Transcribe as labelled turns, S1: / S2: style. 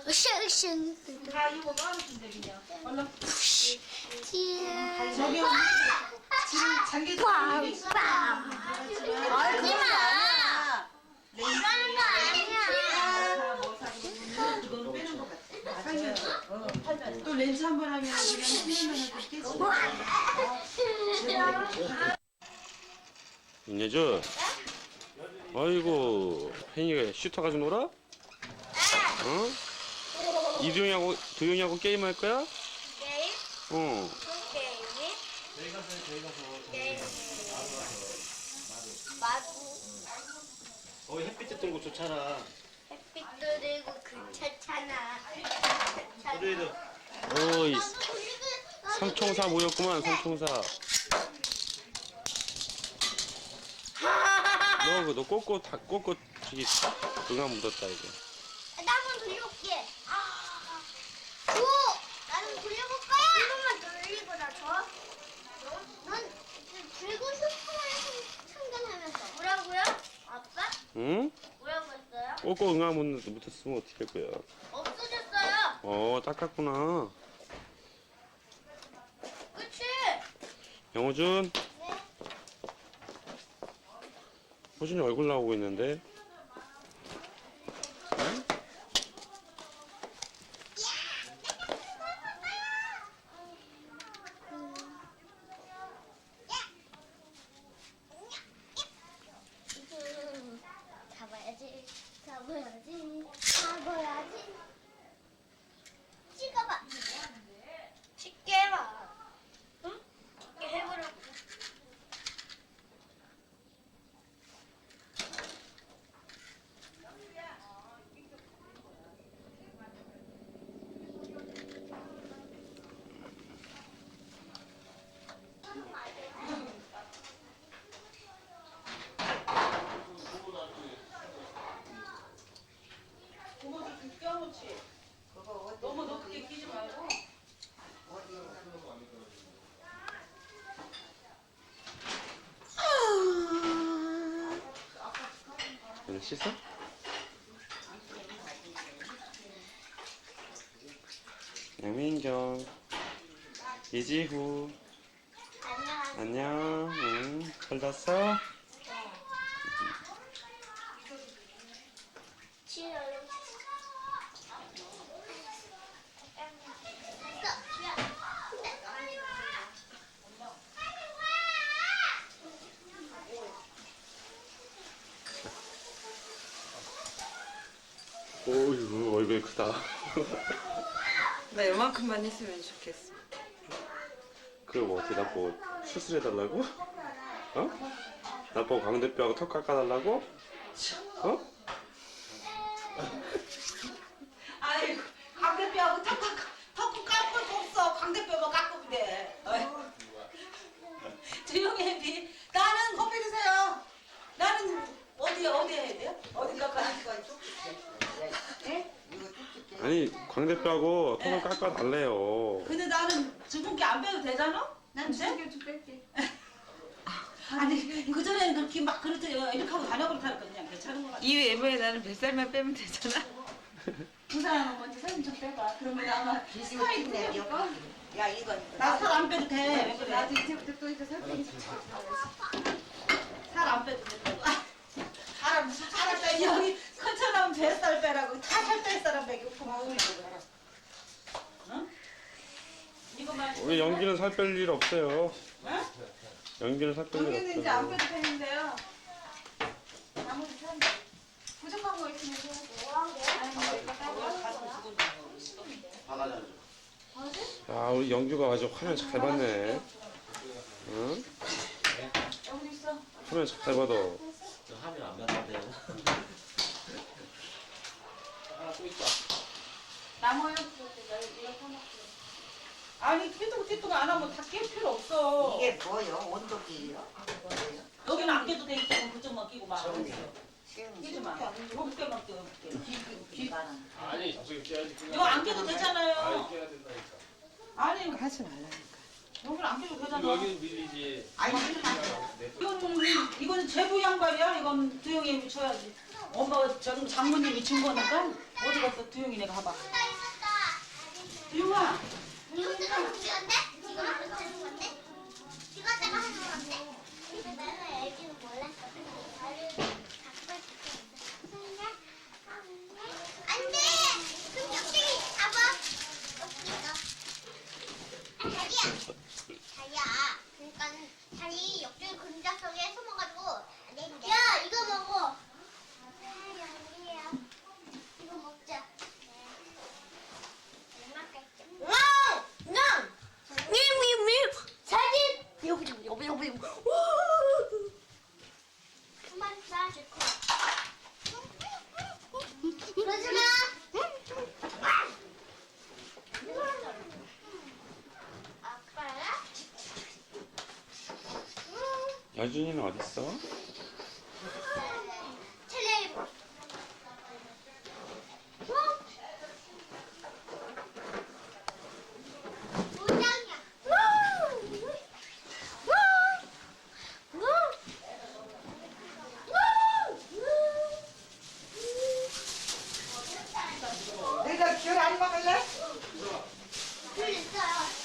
S1: 으쌰으쌰.
S2: 다 이거 넣어놓는데 그냥. 얼른.
S1: 저기
S2: 장기
S1: 빵빵.
S2: 하지
S1: 마. 이러는 거 아니야.
S2: 이거는 빼는 거 같아. 팔면. 또 렌즈 한 번 하면 그냥 수면면은 또 깨지.
S3: 윤예준, 아이고 혜인이가 슈터 가지고 놀아? 어? 도영이하고 게임할 거야?
S1: 게임?
S3: 어.
S1: 게임이? 게임. 마구.
S3: 거기 햇빛 뜨는 거 좋잖아.
S1: 햇빛도 들고 괜찮잖아.
S3: 그래도. 어이, 삼총사 모였구만, 삼총사. 너 꼬꼬 저기 응아 묻었다 이거.
S1: 나 한번 돌려볼게. 오! 나는 돌려볼 거야. 한 번만 돌리고 나서. 넌 들고 슈퍼마켓 참견하면서. 뭐라고요? 아빠?
S3: 응?
S1: 뭐라고 했어요?
S3: 꼬꼬 응아 묻었으면 어떻게 할 거야?
S1: 없어졌어요.
S3: 닦았구나.
S1: 그치?
S3: 영호준,
S1: 네.
S3: 호준이 얼굴 나오고 있는데. 응?
S1: 잡아야지. 잡아야지. 잡아야지. 찍어봐. 쉽게 해봐. 응? 쉽게 해보라고.
S2: 그거 좀 껴놓지. 너무 높게 끼지 말고.
S3: 얘는 씻어? 양민경, 이지후,
S1: 안녕.
S3: 안녕. 응, 잘 잤어?
S1: 치열.
S3: 오이구, 얼굴 크다.
S2: 나 요만큼만 했으면 좋겠어.
S3: 그거 뭐 어떻게 나보고 수술해달라고? 어? 나보고 광대뼈하고 턱 깎아달라고? 어?
S2: 아이고, 광대뼈하고 턱 깎을 거 없어. 광대뼈만 깎으면 돼. 조용히 해, 비. 나는 커피 드세요. 나는 어디에 해야 돼요? 어디 깎아야 돼요?
S3: 아니, 광대뼈하고 턱을 깎아달래요.
S2: 근데 나는 주근깨 안 빼도 되잖아? 난 주근깨 좀 뺄게. 아니, 그전에는 그렇게 막 그렇게 이렇게 하고 다녀버렸다니까 그냥 괜찮은 거 같아.
S4: 이 외모에 나는 뱃살만 빼면 되잖아.
S2: 그 사람은 먼저 사진 좀 빼봐. 그러면 아마 스타일이 돼.
S5: 야 이건
S2: 나 살 안 빼도 돼. 왜 그래?
S4: 나도 이제부터 또 이제 살 빼기
S2: 살 안 빼도 된다고. 사람 무슨 살을 빼? 여기 큰처럼 뱃살 빼라고. 다 살 뺄 사람 빼고 고마워. 응? 이거만.
S3: 우리 연기는 살 뺄 일 없어요.
S2: 응?
S3: 연기는 살 뺄 일
S2: 여기는 이제 안
S3: 없어요.
S2: 빼도 되는데요. 나머지 살 부족한 거 있으면
S3: 아, 우리 영규가 아주 화면 잘 봤네. 응?
S2: 여기 있어.
S3: 화면 잘 받아.
S6: 화면 안 봤는데요.
S2: 나무요? 아니 띠뚱띠뚱 안 하면 다 낄 필요 없어.
S5: 이게 뭐요? 온도計요?
S2: 여기는 안 껴도 돼. 이쪽은 그쪽만 끼고 막.
S5: 시험
S2: 끼지 마. 여기만 껴. 귀.
S6: 아니, 저기 깨야지.
S2: 이거 안 껴도 되잖아요.
S6: 깨야 된다니까.
S2: 아니
S4: 하지 말라니까.
S2: 여기는 안 껴도 되잖아.
S6: 여기는 밀리지.
S5: 아니
S2: 이거는 제부 양말이야. 이건 두영이 붙여야지. 엄마 장모님이 준 거니까 어디 갔어? 두용이네 가봐. 두용아.
S1: 이것도 하는 건데? 이거 하는 건데? 이거 내가 하는 건데? 근데 나는 애기는 몰랐어. 나를 갖고 싶었는데. 안 돼! 그럼 옆쪽이 잡아. 자리야. 그러니까 자리 옆쪽에 그림자 속에 숨어가지고 안 되는데. 야, 이거 먹어. 여기야. 이거 먹자. 사진 여기 한번 쏴줄게. 그러지 마. 아빠야?
S3: 여준이는 어딨어?
S1: 텔레비전. 모장이야.
S5: 너희들 귤 안 먹을래?
S1: 줄 있어요.